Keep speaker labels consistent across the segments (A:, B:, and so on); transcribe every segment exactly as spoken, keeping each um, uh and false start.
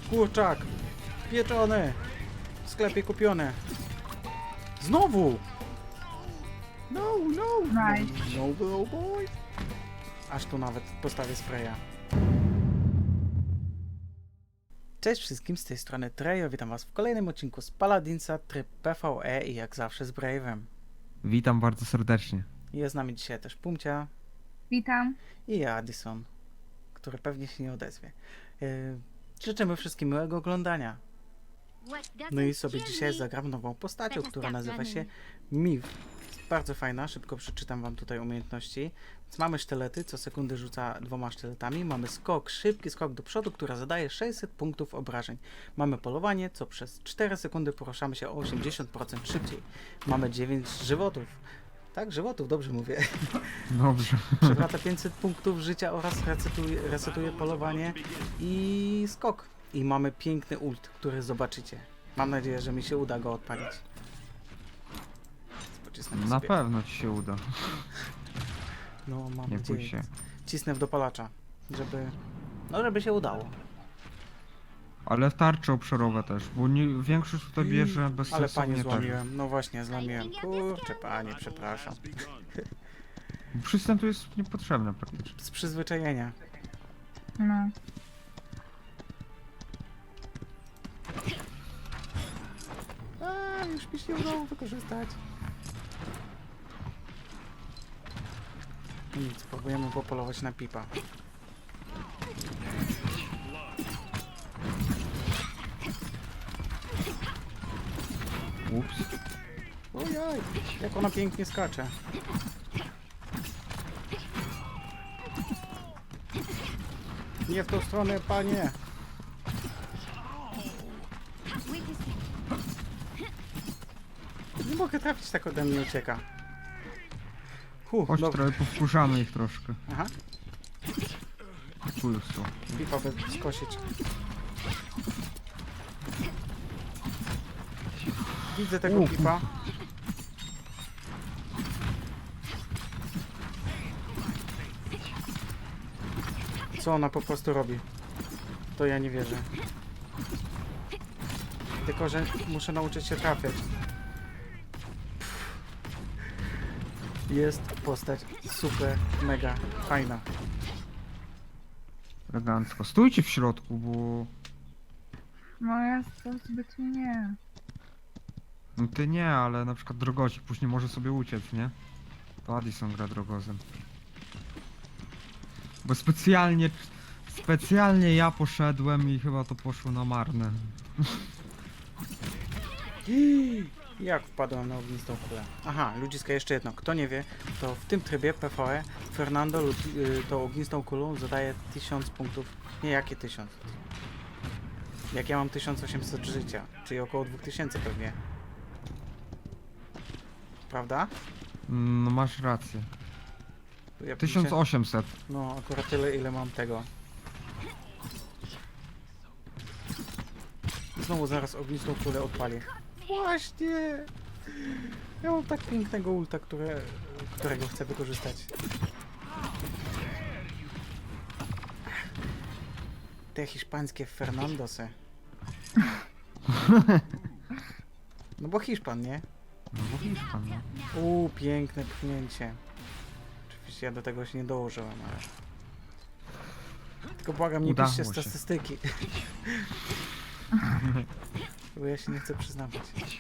A: Kurczak! Pieczony! W sklepie kupione! Znowu! No, no!
B: Nice.
A: No, no, boy! Aż tu nawet postawię spraya. Cześć wszystkim, z tej strony Trejo, witam was w kolejnym odcinku z Paladinsa, tryb P V E i jak zawsze z Brave'em.
C: Witam bardzo serdecznie.
A: Jest z nami dzisiaj też Pumcia
B: Witam.
A: i ja, Addison, który pewnie się nie odezwie. Yy, życzymy wszystkim miłego oglądania. No i sobie dzisiaj zagram nową postacią, która nazywa się Miv. Jest bardzo fajna, szybko przeczytam wam tutaj umiejętności. Więc mamy sztylety, co sekundy rzuca dwoma sztyletami. Mamy skok, szybki skok do przodu, która zadaje sześćset punktów obrażeń. Mamy polowanie, co przez cztery sekundy poruszamy się o osiemdziesiąt procent szybciej. Mamy dziewięć żywotów. Tak, żywotów, dobrze mówię.
C: Dobrze.
A: Przywraca pięćset punktów życia oraz resetuje, resetuje polowanie i skok. I mamy piękny ult, który zobaczycie. Mam nadzieję, że mi się uda go odpalić. Pocisnę
C: Na
A: sobie.
C: pewno ci się uda.
A: No, mam
C: Nie bój
A: nadzieję.
C: się.
A: Cisnę w dopalacza, żeby... No, żeby się udało.
C: Ale tarcze obszarowe też, bo nie, większość tutaj bierze bez
A: Ale
C: sensu
A: panie
C: nie tak.
A: złamiłem. No właśnie, złamiłem. Kurczę, panie, przepraszam.
C: Przystęp tu jest niepotrzebny praktycznie.
A: Z przyzwyczajenia.
B: No.
A: A, już mi się nie udało wykorzystać. Nic, spróbujemy popolować na pipa.
C: Ups.
A: Ojoj, jak ona pięknie skacze. Nie w tą stronę, panie. Nie mogę trafić, tak ode mnie ucieka. Huh,
C: Chodź
A: dobra.
C: trochę, powkurzamy ich troszkę.
A: Aha,
C: Tu już są.
A: pipa by skosić. Widzę tego
C: U,
A: pipa. Co ona po prostu robi? To ja nie wierzę. Tylko, że muszę nauczyć się trafiać. Jest postać super, mega fajna.
C: Elegancko. Stójcie w środku, bo...
B: No ja to zbytnio nie.
C: No ty nie, ale na przykład drogocik później może sobie uciec, nie? To Addison gra drogozem. Bo specjalnie... Specjalnie ja poszedłem i chyba to poszło na marne.
A: Jak wpadłem na ognistą kulę? Aha, ludziska, jeszcze jedno. Kto nie wie, to w tym trybie P V E Fernando lud- y, tą ognistą kulą zadaje tysiąc punktów. Nie, jakie tysiąc? Jak ja mam tysiąc osiemset życia, czyli około dwa tysiące pewnie. Prawda?
C: No masz rację.
A: Ja
C: tysiąc osiemset.
A: No, akurat tyle, ile mam tego. Znowu zaraz ognistą kulę odpalię. Właśnie! Ja mam tak pięknego ulta, które, którego chcę wykorzystać. Te hiszpańskie Fernandosy. No bo Hiszpan, nie?
C: No bo Hiszpan, no.
A: Uuu, piękne pchnięcie. Oczywiście ja do tego się nie dołożyłem, ale... Tylko błagam, nie
C: Udało
A: piszcie
C: się.
A: statystyki. Bo ja się nie chcę przyznawać.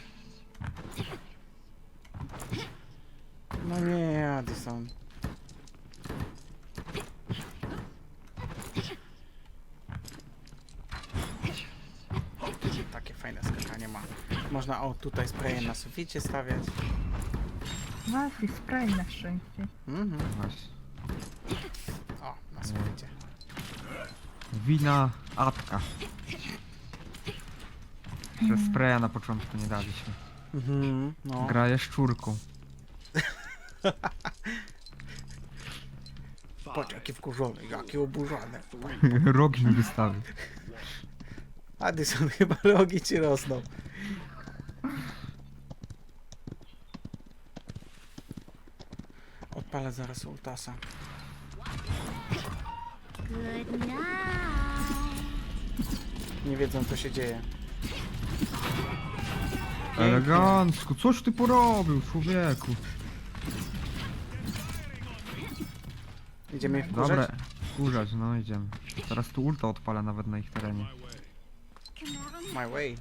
A: No nie, Addison. Takie fajne skakanie ma. Można o tutaj spraye na suficie stawiać.
B: Was i spray na szczęście.
A: Mhm.
C: Właśnie.
A: O, na suficie.
C: Wina Atka. Że spraya na początku nie daliśmy.
A: Mhm, no.
C: Gra jest szczurką.
A: Patrz, jaki wkurzony, jaki oburzony.
C: Rogi mi wystawił.
A: Addison, chyba rogi ci rosną. Odpalę zaraz ultasa.
D: Good night.
A: Nie wiedzą, co się dzieje. Pięknie.
C: Elegancko, coś ty porobił, człowieku.
A: Idziemy ich wkurzać?
C: Dobra, kurzać, no idziemy. Teraz tu ulta odpalę nawet na ich terenie.
A: My way.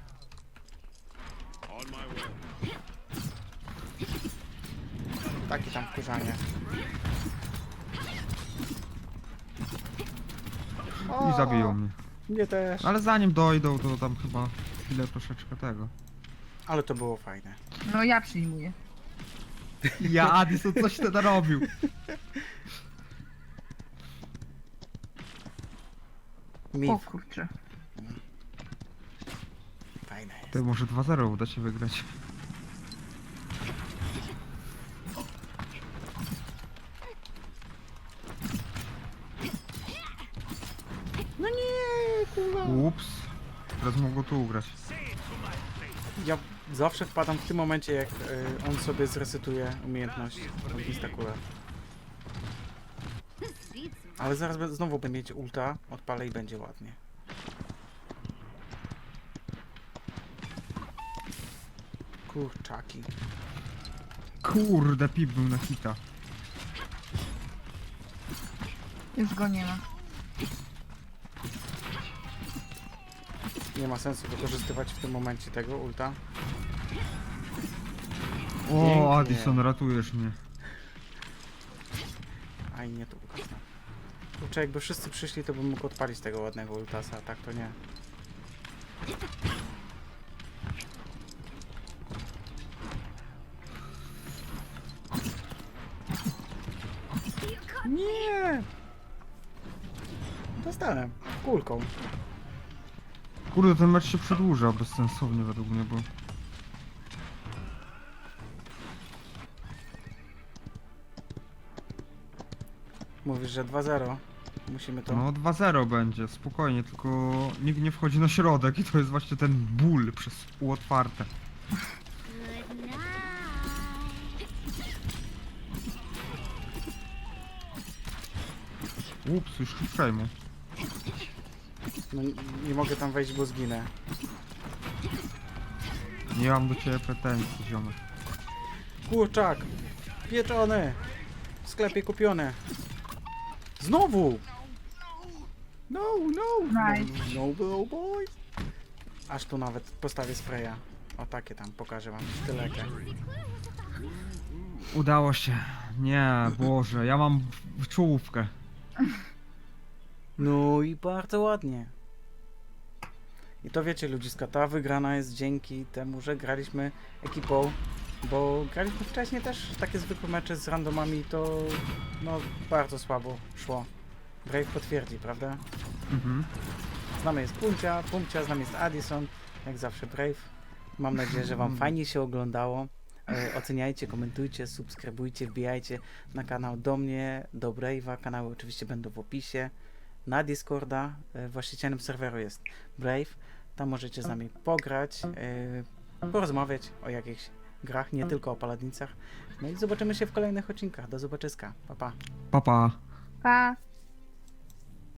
A: Takie tam wkurzanie.
C: I zabiją mnie.
A: Mnie też.
C: Ale zanim dojdą, to tam chyba chwilę troszeczkę tego.
A: Ale to było fajne.
B: No ja przyjmuję.
C: Ja, Addison, coś ty narobił.
B: O
A: Mif.
B: kurczę.
A: Fajne jest.
C: Ty, może dwa zero uda się wygrać.
A: No nie, kurwa.
C: Ups. Teraz mogło tu ugrać.
A: Ja zawsze wpadam w tym momencie, jak y, on sobie zresetuje umiejętność Instakula. Ale zaraz be- znowu będę mieć ulta, odpalę i będzie ładnie. Kurczaki.
C: Kurde, pip był na hita.
B: Już go nie ma.
A: Nie ma sensu wykorzystywać w tym momencie tego ulta.
C: O,
A: Pięknie.
C: Addison, ratujesz mnie.
A: Aj, nie tu ukazna. Kurczę, jakby wszyscy przyszli, to bym mógł odpalić tego ładnego ultasa, a tak to nie. Nie! Dostałem. Kulką.
C: Kurde, ten mecz się przedłuża bezsensownie według mnie, bo...
A: Mówisz, że dwa zero. Musimy to...
C: No dwa zero będzie, spokojnie, tylko nikt nie wchodzi na środek i to jest właśnie ten ból przez pół otwarte. Ups, już przejmu.
A: No, nie, nie mogę tam wejść, bo zginę.
C: Nie mam do ciebie pretensji, ziomek.
A: Kurczak! Pieczony! W sklepie kupione. Znowu! No, no!
B: Nice.
A: No, no, boy! Aż tu nawet postawię spraya. O, takie tam, pokażę wam sztylekę.
C: Udało się. Nie, Boże, ja mam w- czołówkę.
A: No i bardzo ładnie. I to wiecie, ludziska, ta wygrana jest dzięki temu, że graliśmy ekipą, bo graliśmy wcześniej też takie zwykłe mecze z randomami i to no bardzo słabo szło. Brave potwierdzi, prawda?
C: Mhm.
A: Z nami jest Pumcia, Pumcia, z nami jest Addison, jak zawsze Brave. Mam nadzieję, że wam fajnie się oglądało. E, oceniajcie, komentujcie, subskrybujcie, wbijajcie na kanał do mnie, do Brave'a. Kanały oczywiście będą w opisie. Na Discorda e, właścicielem serweru jest Brave. Tam możecie z nami pograć, e, porozmawiać o jakichś grach, nie tylko o paladnicach. No i zobaczymy się w kolejnych odcinkach. Do zobaczyska. Pa, pa.
C: Pa, pa.
B: Pa!